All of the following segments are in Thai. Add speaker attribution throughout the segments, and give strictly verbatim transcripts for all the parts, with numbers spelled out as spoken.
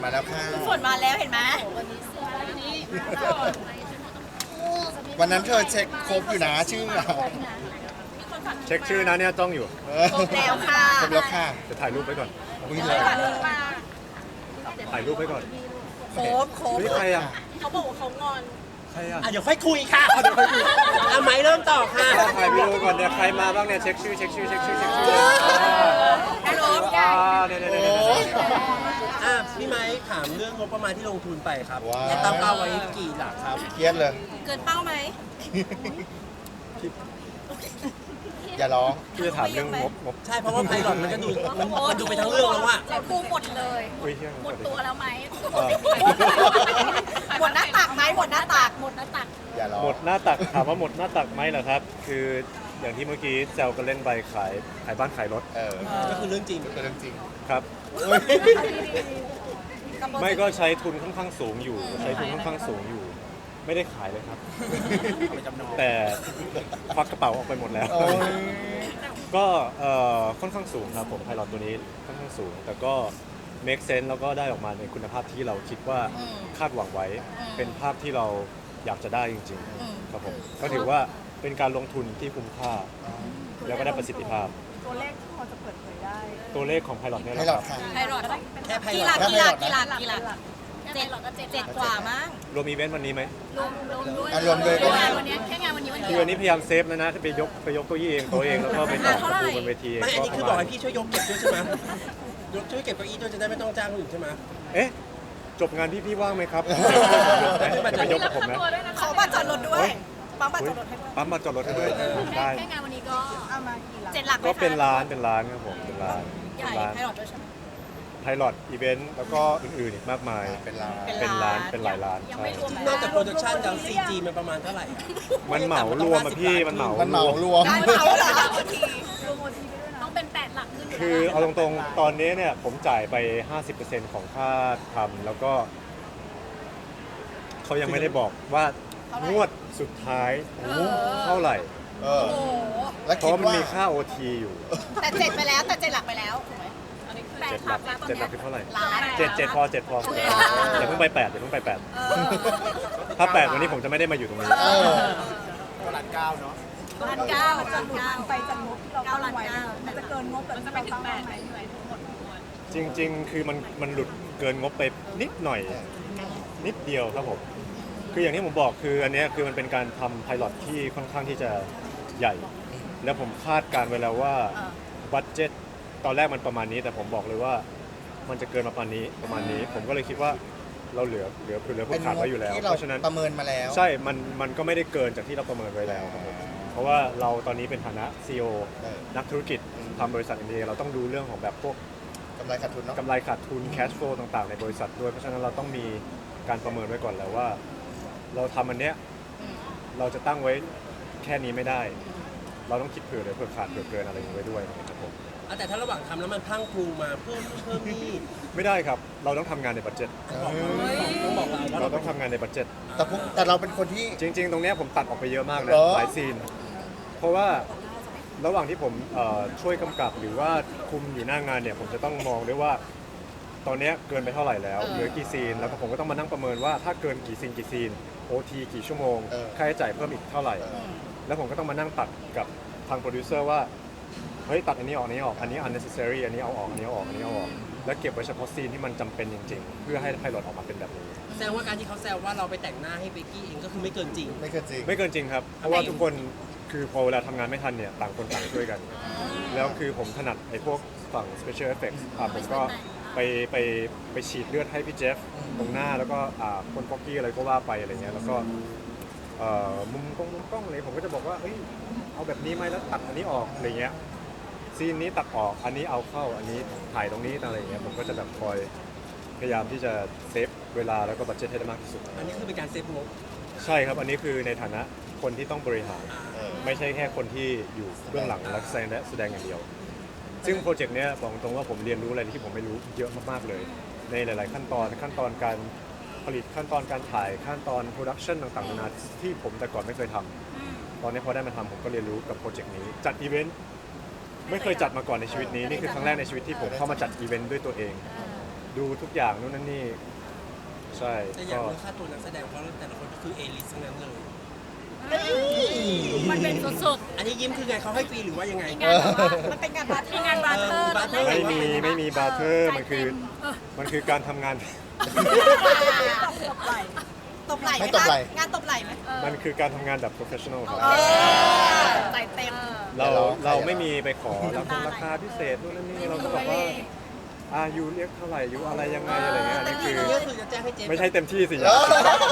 Speaker 1: มาแล้วค่ะ
Speaker 2: ฝนมาแล้วเห็นไหม
Speaker 1: วันนั้นเธอเช็คครบอยู่นะชื่ออะ
Speaker 3: เช็คชื่อนะเนี่ยจ้องอยู่
Speaker 2: ครบแล้วค่ะ
Speaker 1: ครบแล้วค่ะ
Speaker 3: จะถ่ายรูปไว้ก่อน
Speaker 1: มึงเลย
Speaker 3: ถ่ายรูปไว้ก่อน
Speaker 2: ครบครบ
Speaker 3: นี่ใครอ่ะ
Speaker 2: เขาบอกว่าเขางอน
Speaker 3: ใครอ่ะ
Speaker 4: อ่ะเดี๋ยวค่อยคุยค่ะเดี๋ยวค่อยคุยอ่ะไม้เริ่มต่อค่ะ
Speaker 3: ถ่ายวิดีโอก่อนเนี่ยใครมาบ้างเนี่ยเช็คชื่อเช็คชื่อเช็คชื่อเช็คชื่อ
Speaker 2: ฮัลโหล
Speaker 3: อ่าเนี่ยเนี่ยเนี่ย
Speaker 1: โอ้
Speaker 3: เนี่ย
Speaker 1: ย
Speaker 4: อ่ะพี่ไม้ถามเรื่องงบประมาณที่ลงทุนไปครับ
Speaker 1: ว้าว
Speaker 4: และตั้งเป้าไว้กี่หลักครับ
Speaker 1: เครียดเลย
Speaker 2: เกินเป้าไหม
Speaker 1: อย่าร้อง
Speaker 3: พี่จะถามเรื่องงบงบ
Speaker 4: ใช่เพราะว่าไพลอตมันก็ดูมันมันดูไปทั้งเรื่องแล้วอะ
Speaker 2: เราพูหมดเลย
Speaker 3: อุ้ยเที่ยง
Speaker 2: หมดตัวแล้วไหม
Speaker 3: เออ
Speaker 2: หมดหน้าตักไหมหมดหน้าตักหมดหน้าตัก
Speaker 1: อย่าร้อง
Speaker 3: หมดหน้าตักถามว่าหมดหน้าตักไหมเหรอครับ คืออย่างที่เมื่อกี้แซวกันเล่นไปขายขายบ้านขายรถ
Speaker 1: เออ
Speaker 4: ก็คือเรื่องจริง
Speaker 1: เป็นเรื่องจริง
Speaker 3: ครับ
Speaker 1: เฮ้ย
Speaker 3: ไม่ก็ใช้ทุนค่อนข้างสูงอยู่ ใช้ทุนค่อนข้างสูงอยู่ ไม่ได้ขายเลยครับ แต่ควักกระเป๋าออกไปหมดแล้ว
Speaker 1: โอ้ย
Speaker 3: ก็เอ่อค่อนข้างสูงครับผมไพลอตตัวนี้ค่อนข้างสูง แต่ก็ make sense แล้วก็ได้ออกมาในคุณภาพที่เราคิดว่าคาดหวังไว้ เป็นภาพที่เราอยากจะได้จริงๆครับผมก็ถือว่าเป็นการลงทุนที่คุ้มค่า แล้วก็ได้ประสิทธิภาพ
Speaker 5: ตัวเลขที่พอจะเปิดเผยได้
Speaker 3: ตัวเลขของไพลอตเนี่ย
Speaker 1: ให้
Speaker 3: นะ
Speaker 1: หล
Speaker 3: ค
Speaker 1: อ
Speaker 3: รั
Speaker 1: ด
Speaker 3: บ
Speaker 1: ค่ะ
Speaker 2: ไพรอด
Speaker 4: แค่ไพล
Speaker 2: กี
Speaker 4: อ
Speaker 2: ฬา
Speaker 4: ต
Speaker 2: กีฬากีฬากีฬาเจ็ดเจ็ดเจ็ดกว่ามั้ง
Speaker 3: รวมอีเวนต์วันนี้ไหม
Speaker 2: รวมรวมด้วย
Speaker 1: อ่ะรวมเลยก็
Speaker 2: แค่
Speaker 1: ได้
Speaker 2: งานวันนี้แค่งานวันนี้วัน
Speaker 3: คือ
Speaker 2: เดียว
Speaker 3: วันนี้พยายามเซฟแล้วนะไปยกไปยกเก้าอี้เองตัวเองแล้วก็ไปต่อประตูบนเวทีเอง
Speaker 4: ไม่อันนี้คือ
Speaker 3: ป
Speaker 4: บอก
Speaker 3: ระมา
Speaker 4: ให้
Speaker 3: ณ
Speaker 4: พี่ช่วยยกเก็บด้วยใช่ไหมยกช่วยเก็บเก้าอี้ด้วยจะได้ไม่ต้องจ้างคนอื่นใช่ไหม
Speaker 3: เอ๊ะจบงานพี่พี่ว่างไหมครับจะไปยกกับผมนะ
Speaker 2: ขอบัตรจอดรถด้วยปั๊มบัตรจอดรถให้ด้วย
Speaker 3: ปั๊มมาจอดรถให้ด้วยได้
Speaker 2: แค่งานวันนี้ก็
Speaker 5: เอามากี่หลัก
Speaker 2: เจ็ดหลักไหม
Speaker 3: ก็
Speaker 2: คะ
Speaker 3: เป็นร้านเป็นร้านครับผมเป็นร้าน
Speaker 2: ใหญ่
Speaker 3: เป็นร้าน
Speaker 2: ไพรอดด้วยใช่ไหม
Speaker 3: ไพลอตอีเวนต์แล้วก็อื่นๆอีกมากมาย
Speaker 1: เป็นลา
Speaker 3: เป็นร้านเป็นหลายร้าน
Speaker 2: ยัง
Speaker 3: ใช่
Speaker 2: ไม่รวม
Speaker 4: นอกจากโปรดักชันแล้ว ซี จี มันประมาณเท่าไหร่
Speaker 3: มันเหมารวมอะพี่มันเหมา
Speaker 1: มันเหมารวม
Speaker 2: ได้เขาเหรอที
Speaker 5: รวมโอทีไปด้วยนะ
Speaker 2: ต้องเป็นแปดหลักขึ้นยู่
Speaker 3: คือเอาตรงๆตอนนี้เนี่ยผมจ่ายไป ห้าสิบเปอร์เซ็นต์ ของค่าทำแล้วก็เขายังไม่ได้บอกว่างวดสุดท้ายเท่าไหร่
Speaker 1: เออ
Speaker 2: โอ้โห
Speaker 1: แล้ว
Speaker 3: เพ
Speaker 1: คิด
Speaker 3: ราะมัน
Speaker 1: ว่า
Speaker 3: มีค่า โอ ที อยู่
Speaker 2: แต่เจ็ดไปแล้วแต่เจ็ดหลักไปแล้วถูกไหมแปด
Speaker 3: เจ็ดหลักเจ็ดหลักคือเท่าไหร่
Speaker 2: ล้าน
Speaker 3: เจ็ดเจ็ดพอเจ็ดพออย่าเพิ่งไปแปดอย่าเพิ่งไปแปด
Speaker 2: เออ
Speaker 3: ถ้าแปดวันนี้ผมจะไม่ได้มาอยู่ตรงนี้
Speaker 1: เออ
Speaker 2: ล้านเก้าล้านเก้า
Speaker 5: ไปจากงบที่เราตั้งไว้มันจะเกินงบแบบที่เราตั้งไว้ไหม
Speaker 3: จริงๆ คือมันมันหลุดเกินงบไปนิดหน่อย นิดเดียวครับผม คืออย่างที่ผมบอกคืออันเนี้ยคือมันเป็นการทำไพลอตที่ค่อนข้างที่จะใหญ่ แล้วผมคาดการณ์ไว้แล้วว่าบัตเจ็ตตอนแรกมันประมาณนี้ แต่ผมบอกเลยว่ามันจะเกินมาประมาณนี้ประมาณนี้ ผมก็เลยคิดว่าเราเหลือเหลือเหลือ
Speaker 1: เป็
Speaker 3: เพื่
Speaker 1: น
Speaker 3: อขาด
Speaker 1: งบ
Speaker 3: ไว้อยู่แล้ว
Speaker 1: ที่
Speaker 3: เพ
Speaker 1: เรา
Speaker 3: ราะฉะนั้น
Speaker 1: ประเมินมาแล้ว
Speaker 3: ใช่ มันมันก็ไม่ได้เกินจากที่เราประเมินไว้แล้วครับผมเพราะว่าเราตอนนี้เป็นฐานะ ซี อี โอ
Speaker 1: เออ
Speaker 3: นักธุรกิจทำบริษัทเอ็นดีเราต้องดูเรื่องของแบบพวก
Speaker 1: กำไรขาดทุนเนาะ
Speaker 3: กำไรขาดทุน cash flow ต่างๆ ในบริษัทด้วย เพราะฉะนั้นเราต้องมีการประเมินไว้ก่อนแล้วว่า เราทำอันเนี้ยเราจะตั้งไว้แค่นี้ไม่ได้ เราต้องคิดเผื่อเลยเผื่อขาดเผื่อเกินอะไรอย่างนี้ไว้ด้วยนะครับผม
Speaker 4: อ่ะแต่ถ้าระหว่างทำแล้วมันพรังพรูมาเพิ่มเพิ่มนี่
Speaker 3: ไม่ได้ครับ เราต้องทำงานในบัตเจ็ต
Speaker 4: บอกต้องบอกเราว่า
Speaker 3: เรา
Speaker 4: เรา
Speaker 3: ต้องทำงานในบัตเจ็ต
Speaker 1: แต่พวกแต่เราเป็นคนที่
Speaker 3: จริง ๆ ตรงเนี้ยผมตัดออกไปเยอะมากนะ
Speaker 1: เหรอ
Speaker 3: หลายซีน เพราะว่าระหว่างที่ผมเอ่อช่วยกำกับหรือว่าคุมอยู่หน้างานเนี่ยผมจะต้องมองด้วยว่า ตอนเนี้ยเกินไปเท่าไหร่แล้วเหลือกี่ซีน แล้วก็ผมก็ต้องมานั่งประเมินว่าถ้าเกินกี่ซีนกี่ซีน โอ ที กี่ชั่วโมง
Speaker 1: เออ
Speaker 3: ค่าใช้จ่ายเพิ่มอีกเท่าไหร่ แล้วผมก็ต้องมานั่งตัดกับทางโปรดิวเซอร์ว่าเฮ้ยตัดอันนี้ออกอันนี้ออกอันนี้ unnecessary อันนี้เอาออกอันนี้เอาออกอันนี้เอาออกแล้วเก็บไว้เฉพาะซีนที่มันจำเป็นจริงๆ เพื่อให้ไพลอตออกมาเป็นแบบนี้
Speaker 4: แซวว่าการที่เขาแซวว่าเราไปแต่งหน้าให้เบกกี้เองก็คือไม่เกินจริง
Speaker 1: ไม่เกินจริง
Speaker 3: ไม่เกินจริงครับ เพราะว่าทุกคนคือพอเวลาทำงานไม่ทันเนี่ยต่างคนต่างช่วยกัน แล้วคือผมถนัดไอ้พวกฝั่ง special effects อ่าผมก็ไปไปไปฉีดเลือดให้พี่เจฟตรงหน้าแล้วก็อ่าคนฟอกกี้อะไรก็ว่าไปอะไรเงี้ยแล้วก็เอ่อมุมกล้องมุมกล้องอะไรผมก็จะบอกว่าเอ้ยเอาแบบนี้ไหมแล้วตัดอันนี้ออกอะไรเงี้ยซีนนี้ตัดออกอันนี้เอาเข้าอันนี้ถ่ายตรงนี้อะไรเงี้ยผมก็จะแบบคอยพยายามที่จะเซฟเวลาแล้วก็บัดเจ็ตให้ได้มากที่สุด
Speaker 4: อันนี้คือเป็นการเซฟงบ
Speaker 3: ใช่ครับ อันนี้คือในฐานะคนที่ต้องบริหาร
Speaker 1: เออ
Speaker 3: ไม่ใช่แค่คนที่อยู่เบื้องหลังและแสดงและแสดงอย่างเดียว ซึ่งโปรเจกต์เนี้ยบอกตรงว่าผมเรียนรู้อะไรที่ผมไม่รู้เยอะมากๆเลย ในหลาย ๆ ขั้นตอนขั้นตอนการผลิตขั้นตอนการถ่ายขั้นตอนโปรดักชันต่างๆนานาที่ผมแต่ก่อนไม่เคยทำตอนนี้พอได้มาทำผมก็เรียนรู้กับโปรเจกต์นี้จัดอีเวนต์ไม่เคยจัดมาก่อนในชีวิตนี้นี่คือครั้งแรกในชีวิตที่ผมเข้ามาจัดอีเวนต์ด้วยตัวเองดูทุกอย่างนู่นนั่นนี่ใช่
Speaker 4: แต่อย่า
Speaker 3: ก็
Speaker 4: งเรื่องค่าตัวนักแสดงเพราะแต่ละคนก็คือเอลิสทั้งนั้นเลย
Speaker 2: มันเป็นสุด
Speaker 4: อันนี้ยิ้มคือไงเขาให้ฟรีหรือว่ายังไง
Speaker 2: ๆงานแบบว่ามันเป็นงานบาร์เทอร์งานบาร์เทอร์
Speaker 4: บาร์เทอร์
Speaker 3: ไม่มีไม่มีบาร์เทอร์มันคือมันคือการทำงาน
Speaker 5: ตบไหล่
Speaker 2: ตบไหล่
Speaker 1: ไม่ตบไหล่
Speaker 2: งานตบไหล่ไหม
Speaker 3: มันคือการทำงานแบบ professional ครับ
Speaker 2: เออใจเต็ม
Speaker 3: เรา
Speaker 1: เรา
Speaker 3: เราไม่มีไปขอราคาราคาพิเศษนู่นนั่นนี่เราก็บอกว่าอายูเรียกเท่าไหร่ยูอะไรยังไงอะไรเงี้ยอันนี่คือ
Speaker 4: ก็คือจะแจ้งให้เจ๊
Speaker 3: ไม่ใช่เต็มที่สิ
Speaker 1: เออ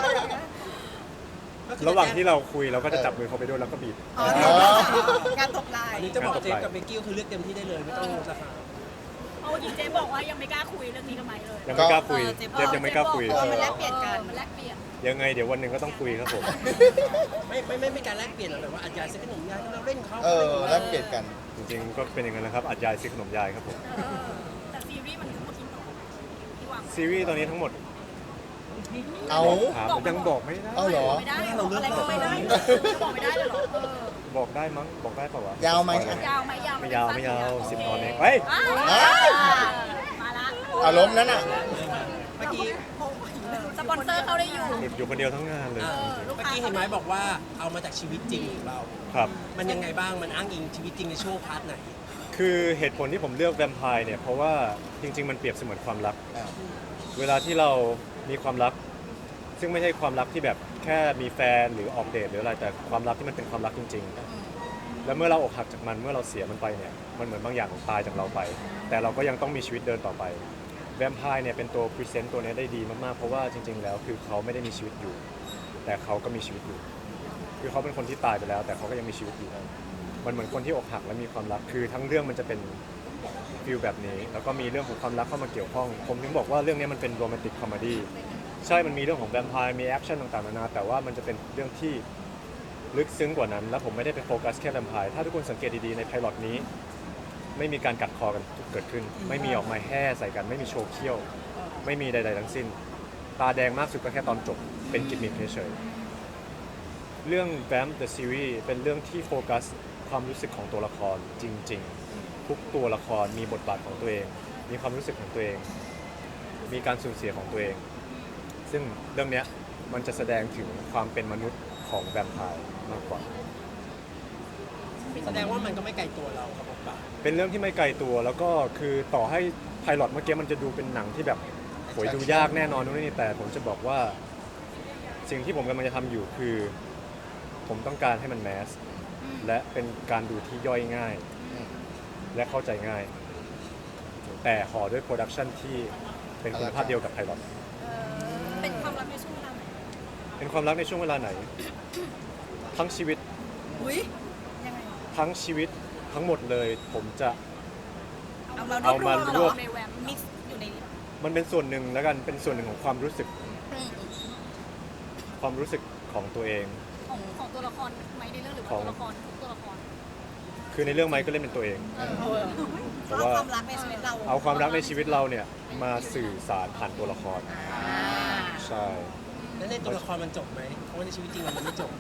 Speaker 3: ระหว่างที่เราคุยเราก็จะจับมือเขาไปด้วยแล้วก็บีบ
Speaker 2: อ๋อ
Speaker 1: อ๋อ
Speaker 2: งานตบไหล่
Speaker 4: อันนี้จะบอกเจ๊กับเบกกี้คือเลือกเต็มที่ได้เลยไม่ต้องราคา
Speaker 6: เอาจริงเจ๊บอกว่ายังไม่กล้าคุยเรื่องนี้กับไมค์เลย
Speaker 3: ยังไม่กล้าคุยเจฟยังไม่กล้าคุย
Speaker 2: เออมันแลกเปลี่ยนกัน
Speaker 6: มันแลกเปลี่ยน
Speaker 3: ยังไงเดี๋ยววันหนึ่งก็ต้องคุยครับผม
Speaker 4: ไม่ไม่ไม่ไม่การแลกเปลี่ยนหรอกแต่ว่าอาจารย์ซื้อขนมยายที่เราเล่นเขา
Speaker 1: เออแลกเปลี่ยนกัน
Speaker 3: จริงๆก็เป็นอย่างนั้นนะครับอัดยายซื้อขนมยายครับผม
Speaker 6: เออแต่ซีรีส์มันคือพูดทิ้งต่อที่วาง
Speaker 3: ซีรีส์ตอนนี้ทั้งหมด
Speaker 1: เอา
Speaker 3: ถามยังบอกไม่ได้
Speaker 1: เอาเหรอ
Speaker 6: ไม่ได้บอกอะไรก็ไม่ได้บอกไม่ได้เลยเหรอเออ
Speaker 3: บอกได้มั้งบอกได้เปล่าวะ
Speaker 1: ยาวไหม
Speaker 6: ยาวไหมยาว
Speaker 3: ไม่ยาวไม่ยาว
Speaker 6: โค
Speaker 3: สิบตอนเองเฮ้ย
Speaker 6: อ้าวมาละ
Speaker 1: อารมณ์นั้นอ่ะ
Speaker 4: เมื่อกี้
Speaker 6: สปอนเซอร์เขาได้อยู่
Speaker 3: หลุดอยู่คนเดียวทั้งงานเลย
Speaker 4: เออ
Speaker 6: ลูก
Speaker 4: เมื่อ
Speaker 6: ค้า
Speaker 4: กี้เห็นไหมบอกว่าเอามาจากชีวิตจริงของเรา
Speaker 3: ครับ
Speaker 4: มันยังไงบ้างมันอ้างอิงชีวิตจริงในช่วงพาร์ทไหน
Speaker 3: คือเหตุผลที่ผมเลือกแวมไพร์เนี่ยเพราะว่าจริง ๆ มันเปรียบเสมือนความรัก
Speaker 1: อ้าว
Speaker 3: เวลาที่เรามีความรัก ซึ่งไม่ใช่ความรักที่แบบแค่มีแฟนหรือออกเดทหรืออะไรแต่ความรักที่มันเป็นความรักจริง ๆ แล้วเมื่อเราอกหักจากมันเมื่อเราเสียมันไปเนี่ยมันเหมือนบางอย่างตายจากเราไป แต่เราก็ยังต้องมีชีวิตเดินต่อไปแวมไพร์เนี่ยเป็นตัวพรีเซนต์ตัวนี้ได้ดีมากๆเพราะว่าจริง ๆ แล้วคือเขาไม่ได้มีชีวิตอยู่ แต่เขาก็มีชีวิตอยู่ คือเขาเป็นคนที่ตายไปแล้ว แต่เขาก็ยังมีชีวิตอยู่มันเหมือนคนที่อกหักและมีความรักคือทั้งเรื่องมันจะเป็นฟิลแบบนี้แล้วก็มีเรื่องของความรักเข้ามาเกี่ยวข้อง ผมถึงบอกว่าเรื่องนี้มันเป็นโรแมนติกคอมเมดี้ใช่มันมีเรื่องของแวมไพร์มีแอคชั่นต่างๆนานาแต่ว่ามันจะเป็นเรื่องที่ลึกซึ้งกว่านั้น และผมไม่ได้ไปโฟกัสแค่แวมไพร์ถ้าทุกคนสังเกตดีๆในไพลอตนี้ ไม่มีการกัดคอกันเกิดขึ้น ไม่มีออกมาแห่ใส่กัน ไม่มีโชว์เขี้ยว ไม่มีใดๆทั้งสิ้น ตาแดงมากสุดก็แค่ตอนจบเป็นกิมมิคเฉยๆเรื่อง Vamp the Series เป็นเรื่องที่โฟกัสความรู้สึกของตัวละครจริงๆ ทุกตัวละครมีบทบาทของตัวเอง มีความรู้สึกของตัวเอง มีการสูญเสียของตัวเอง ซึ่งเรื่องเนี้ยมันจะแสดงถึงความเป็นมนุษย์ของแวมไพร์มากกว่า
Speaker 4: แสดงว่ามันก็ไม่ไกลตัวเราครับผมป่ะ
Speaker 3: เป็นเรื่องที่ไม่ไกลตัวแล้วก็คือต่อให้ไพลอตเมื่อกี้มันจะดูเป็นหนังที่แบบโหยดูยากแน่นอนนู่นนี่แต่ผมจะบอกว่าสิ่งที่ผมกำลังจะทำอยู่คือ ผมต้องการให้มันแมสและเป็นการดูที่ย่อยง่าย และเข้าใจง่าย แต่ห่อด้วยโปรดักชันที่เป็นคุณภาพเดียวกับไพลอต
Speaker 6: เป็นความรักในช่วงเวลาไหน
Speaker 3: เป็นความรักในช่วงเวลาไหน ทั้งชีวิต
Speaker 2: อุ้ยยังไง
Speaker 3: ทั้งชีวิตทั้งหมดเลย ผมจะ
Speaker 2: เอามาร
Speaker 3: เอา
Speaker 2: วบร
Speaker 3: มาว
Speaker 2: ม
Speaker 3: ร
Speaker 2: เหร
Speaker 3: ว
Speaker 2: อบ ในแวมมิกซ์อยู่ในนี้
Speaker 3: มันเป็นส่วนหนึ่งแล้วกันเป็นส่วนหนึ่งของความรู้สึก
Speaker 2: อืม
Speaker 3: ความรู้สึกของตัวเอง
Speaker 6: ของของตัวละครไหมในเรื่องหรือว่า
Speaker 3: ของ
Speaker 6: ตัวละครทุกตัวละคร
Speaker 3: คือในเรื่องไมค์ก็เล่นเป็นตัวเอง แต่
Speaker 2: เอา
Speaker 3: ว่า
Speaker 2: ความรักในชีวิตเรา
Speaker 3: เอาความรักในชีวิตเราเนี่ยมาสื่อสารผ่านตัวละคร
Speaker 2: อ่า
Speaker 3: ใช่
Speaker 4: แล้วในตัวละครมันจบไหมเพราะว่าในชีวิตจริงมันไม่จบ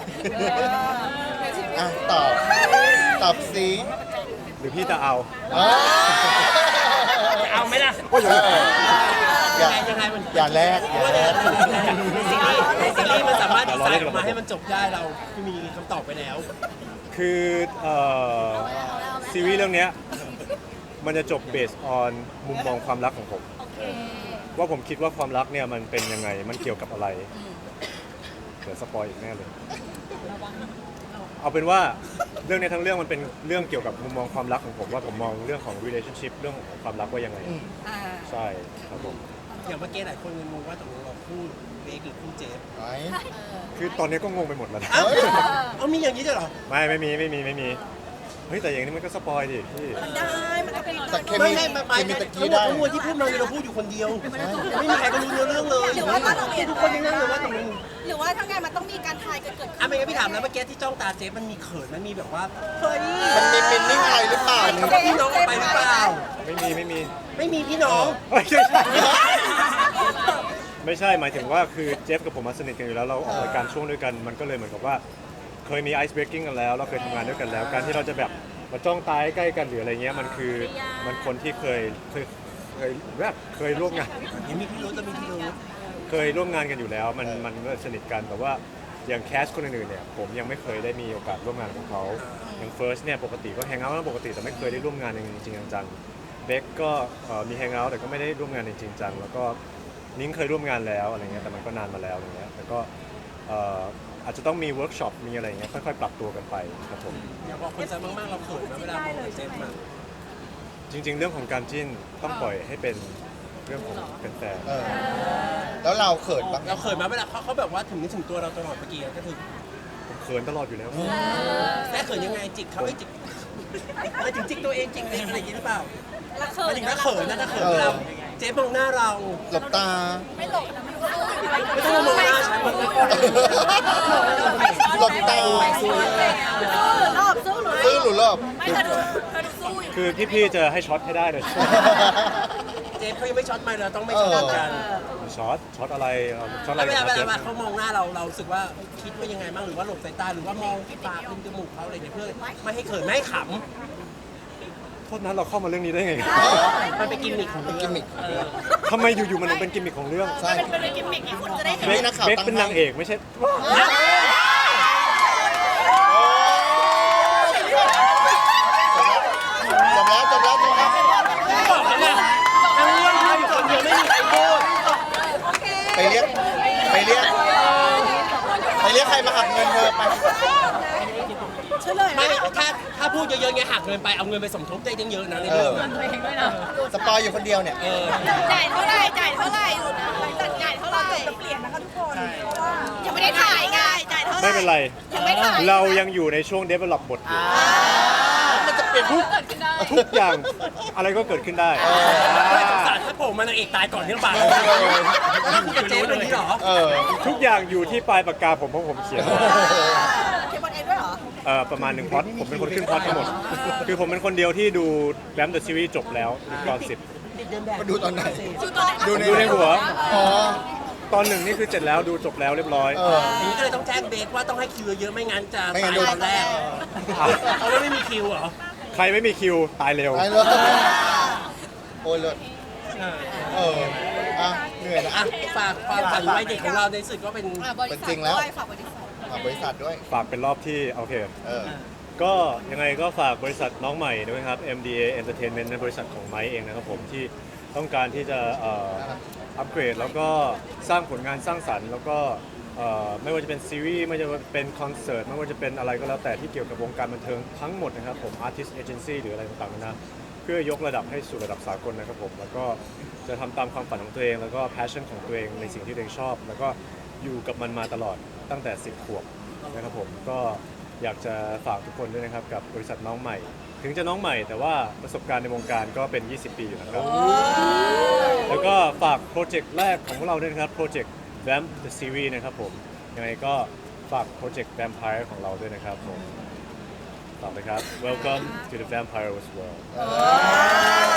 Speaker 1: อ่ะตอบ ตอบสิ
Speaker 3: หรือพี่จะเอา
Speaker 1: อ๋อ
Speaker 4: เอาไหมล่ะ
Speaker 1: เอออย่า
Speaker 4: ยังไงมัน
Speaker 1: อย่าแลกอย่าแลก
Speaker 4: ในซีรีส์ในซีรีส์มันสามารถดีไซน์ออกมาให้มันจบได้เราคือมีคำตอบไปแล้ว
Speaker 3: คือเอ่อซีรีส์เรื่องเนี้ยมันจะจบเบสออนมุมมองความรักของผม
Speaker 6: โอเค
Speaker 3: ว่าผมคิดว่าความรักเนี่ยมันเป็นยังไงมันเกี่ยวกับอะไรเดี๋ยวสปอยอีกแน่เลย เอาเป็นว่าเรื่องนี้ทั้งเรื่องมันเป็นเรื่องเกี่ยวกับมุมมองความรักของผมว่าผมมองเรื่องของ relationship เรื่องของความรักว่ายังไง
Speaker 1: อืม
Speaker 2: อ่า
Speaker 3: ใช่ครับผม
Speaker 4: อย่างเมื่อกี้หลายคนงงว่าตกลงเราคู่เบคหรือคู่เจฟ
Speaker 1: ไว้
Speaker 3: คือตอนนี้ก็งงไปหมดแล้วนะ
Speaker 4: เอ้าเอามีอย่างนี้ด้วยเหรอ
Speaker 3: ไม่ไม่มีไม่มีไม่มีเฮ้ยแต่อย่างนี้มันก็สปอยดิพี่
Speaker 2: มันได้ มันก็เป็น
Speaker 1: แต่เค
Speaker 4: ไม่
Speaker 1: มี
Speaker 4: ให้มาไป
Speaker 1: เคมี
Speaker 4: ทั้
Speaker 1: ตะ
Speaker 4: ง
Speaker 1: กี้
Speaker 4: หมด
Speaker 1: ได้
Speaker 4: ทั้งมวลที่พูดมาเราพูดอยู่คนเดียว ไม่มีใครก็รู้เนื้อเรื่องเลย
Speaker 2: หรือว่าถ้าเราเปลี่ยน
Speaker 4: ทุกคนยังนั่งเลยว่าตกลง
Speaker 2: หรือว่าถ้างานมันต้องมีการทายกันเกิดขึ้น
Speaker 4: อ่ะไม่งั้นพี่ถามแล้วเมื่อกี้ที่จ้องตาเจฟมันมีเขินมันมีแบบว่า
Speaker 2: เฮ้ย
Speaker 1: มันมีมินนิ่งอะไรหรือเปล่า
Speaker 4: เขากับพี่น้องออกไปหรือเปล่า
Speaker 3: ไม่มีไม่มี
Speaker 4: ไม่มีพี่น้อง
Speaker 3: เอ้ยไม่ใช่ไม่ใช่หมายถึงว่าคือเจฟกับผมมาสนิทกันอยู่แล้วเราออกรายการช่วงด้วยกันมันก็เลยเหมือนกับว่า เคยมีไอซ์เบรกกิ้งกันแล้วเราเคยทำงานด้วยกันแล้ว การที่เราจะแบบมาจ้องตาใกล้กันหรืออะไรเงี้ยมันคือมันคนที่เคยเคยเคยแบบเคยร่วมงาน
Speaker 4: เห็นมีพี่รู้จะมีพี่รู้
Speaker 3: เคยร่วมงานกันอยู่แล้วมันมันก็สนิทกันแต่ว่าอย่างแคสคนอื่นๆเนี่ยผมยังไม่เคยได้มีโอกาสร่วมงานกับเขาอย่างเฟิร์สเนี่ยปกติก็แฮงเอาท์กันปกติแต่ไม่เคยได้ร่วมงานจริงๆจังๆเบคก็เอ่อมีแฮงเอาท์แต่ก็ไม่ได้ร่วมงานจริงๆจังแล้วก็นิ้งเคยร่วมงานแล้วอะไรเงี้ยแต่มันก็นานมาแล้วอะไรเงี้ยแต่ก็เอ่ออาจจะต้องมีเวิร์กช็อปมีอะไรเงี้ยค่อยๆปรับตัวกันไปครับผม
Speaker 4: อยากบอกคนแซวมากๆเราเขินนะเวลามองกับเจฟมา
Speaker 3: จริง ๆ เรื่องของการจิ้นต้องปล่อยให้เป็นเรื่องของแฟน
Speaker 1: เออ แล้วเราเขินบ้างไหม
Speaker 4: เราเขินมาเวลาเขาเขาแบบว่าถึงนึกถึงตัวเราตลอดเมื่อกี้ก็คือ
Speaker 3: ๆผมเขินตลอดอยู่แล้ว
Speaker 4: แค่เขินยังไงจิกเขาไอ้จิกไปถึงจิกตัวเองจิกเองอะไรอย่างนี้หรือเปล่า
Speaker 6: แล้วเขิ
Speaker 4: ไป
Speaker 6: น
Speaker 4: ถึงถ้าเขินนะถ้าเขินเวลาเจฟมองหน้าเรา
Speaker 1: หลบตา
Speaker 6: ไม่หลบนะไม่รู้สู้อยู่
Speaker 4: ไม่ต้องมองหน้าฉันมันก็
Speaker 1: หลบตา
Speaker 6: สู้หรือรอบสู้หรือ
Speaker 1: ซื้อหรือรอบ
Speaker 6: ไม่เธอดูเธอดูสู้อยู่
Speaker 3: คือพี่ๆจะให้ช็อตให้ได้เลย
Speaker 4: เจฟเขายังไม่ช็อตไม่เราต้องไม่ช็อตกัน
Speaker 3: ช็อตช็อตอะไรเอาช็อตอะไร
Speaker 4: แล้วเวลา
Speaker 3: กับ
Speaker 4: เวลา
Speaker 3: เจฟ
Speaker 4: เขามองหน้าเราเรารู้สึกว่าคิดว่ายังไงบ้างหรือว่าหลบสายตาหรือว่ามองปากริมจมูกเขาอะไรเนี่ยเพื่อไม่ให้เขินไม่ให้ข
Speaker 3: โทษนะเราเข้ามาเรื่องนี้ได้ไง
Speaker 4: ำมันเป็นกิมมิคของเรื่อง
Speaker 1: กิมมิค
Speaker 4: เออ
Speaker 3: ทำไมอยู่ๆมันถึงเป็นกิมมิคของเรื่อง
Speaker 1: ใช่
Speaker 6: เป็นเป็นกิมมิคที่คุณจะได้เห็น
Speaker 3: เบค
Speaker 1: นักข่าว
Speaker 3: เบค
Speaker 1: ตั้ง
Speaker 3: เป็น
Speaker 1: ให้
Speaker 3: นางเอกไม่ใช่
Speaker 1: จบแล้วจบแล้วจบแล้ว
Speaker 4: บอกแล้วนะทั้งเรื่องเขาอยู่คนเดียวไม่มีใครพูด
Speaker 1: ไปเรียกไปเรียกไปเรียกใครมาหักเงินเธอไป
Speaker 2: เฉลย
Speaker 4: ไม่ถ้าถ้าพูดเยอะๆไงหักเงินไปเอาเงินไปสมทบได้เยอะๆนะในเรื่องอะ
Speaker 1: สปอยอยู่คนเดียวเนี่ย
Speaker 4: เออ
Speaker 6: จ่ายเท่าไหร่จ่ายเท่าไหร่หลุดนะจ่ายเท่าไหร่
Speaker 5: จะเปลี่ยนนะคะทุกคนเพราะว่า
Speaker 6: ยังไม่ได้ถ่ายไงจ่ายเท่าไหร่
Speaker 3: ไม่เป็นไร
Speaker 6: ยังไม่ถ่าย
Speaker 3: เรายังอยู่ในช่วง develop บทอยู่
Speaker 1: มันจะเปลี่ยนทุก
Speaker 3: ทุกอย่างอะไรก็เกิดขึ้นได้
Speaker 4: ไม่สงสารถ้าผมมันนางเอกตายก่อนเรื่องบาทนั่นคือเจ๊เป็นนี้เหรอ
Speaker 1: เออ
Speaker 3: ทุกอย่างอยู่ที่ปลายปากกาผมเพราะผมเขียน
Speaker 2: เทปบอลเองด้วยเหรอ
Speaker 3: เอ่อประมาณหนึ่งพล็อตผมเป็นคนขึ้นพล็อตทั้งหมด คือผมเป็นคนเดียวที่ดูแรมเดอะซีรีส์จบแล้วตอนสิบ
Speaker 1: มาดูตอนไหน
Speaker 6: ดูตัวไหน
Speaker 1: ดูใน
Speaker 3: ดูในหัว
Speaker 1: อ๋อ
Speaker 3: ตอนหนึ่งนี่คือเสร็จแล้วดูจบแล้วเรียบร้อย
Speaker 1: เออ
Speaker 4: อย่างนี้ก็เลยต้องแจ้งเบสว่าต้องให้คิวเยอะไม่งั้นจะ
Speaker 1: ไม่งั้
Speaker 4: ตาน ย
Speaker 1: โดน
Speaker 4: ตอนแรกเพราะว่าไม่มีคิวเหรอ
Speaker 3: ใครไม่มีคิวตายเร็ว
Speaker 1: ไปเลยโอ้ยเลิศเออ อ่ะ เหนื่อยนะ
Speaker 4: อ่ะ
Speaker 1: อ่ะ
Speaker 4: ฝากความฝันไว้เด็กของเราในสุดก็เป็น
Speaker 6: อ่ะบริษัท
Speaker 1: จริงแล้ว
Speaker 6: ด้วยฝากบริษัท
Speaker 1: ฝากบริษัทด้วย
Speaker 3: ฝากเป็นรอบที่โอเค
Speaker 1: เออ
Speaker 3: ก็ยังไงก็ฝากบริษัทน้องใหม่ด้วยครับ เอ็ม ดี เอ Entertainment ในบริษัทของไมค์เองนะครับผมที่ต้องการที่จะเอ่ออัปเกรดแล้วก็สร้างผลงานสร้างสรรค์ แล้วก็เอ่อไม่ว่าจะเป็นซีรีส์ไม่ว่าจะเป็นคอนเสิร์ตไม่ว่าจะเป็นอะไรก็แล้วแต่ที่เกี่ยวกับวงการบันเทิงทั้งหมดนะครับผม Artist Agency หรืออะไรต่างๆนะเพื่อยกระดับให้สู่ระดับสากลนะครับผมแล้วก็จะทำตามความฝันของตัวเอง แล้วก็ passion ของตัวเองในสิ่งที่ตัวเองชอบ แล้วก็อยู่กับมันมาตลอดตั้งแต่สิบขวบนะครับผมก็อยากจะฝากทุกคนด้วยนะครับกับบริษัทน้องใหม่ ถึงจะน้องใหม่แต่ว่าประสบการณ์ในวงการก็เป็น ยี่สิบ ปีอยู่นะครับ แล้วก็ฝากโปรเจกต์แรกของพวกเราด้วยนะครับ โปรเจกต์ Vamp the Series นะครับผม ยังไงก็ฝากโปรเจกต์ Vampire ของเราด้วยนะครับผมฝากเลยครับ Welcome to the Vampire World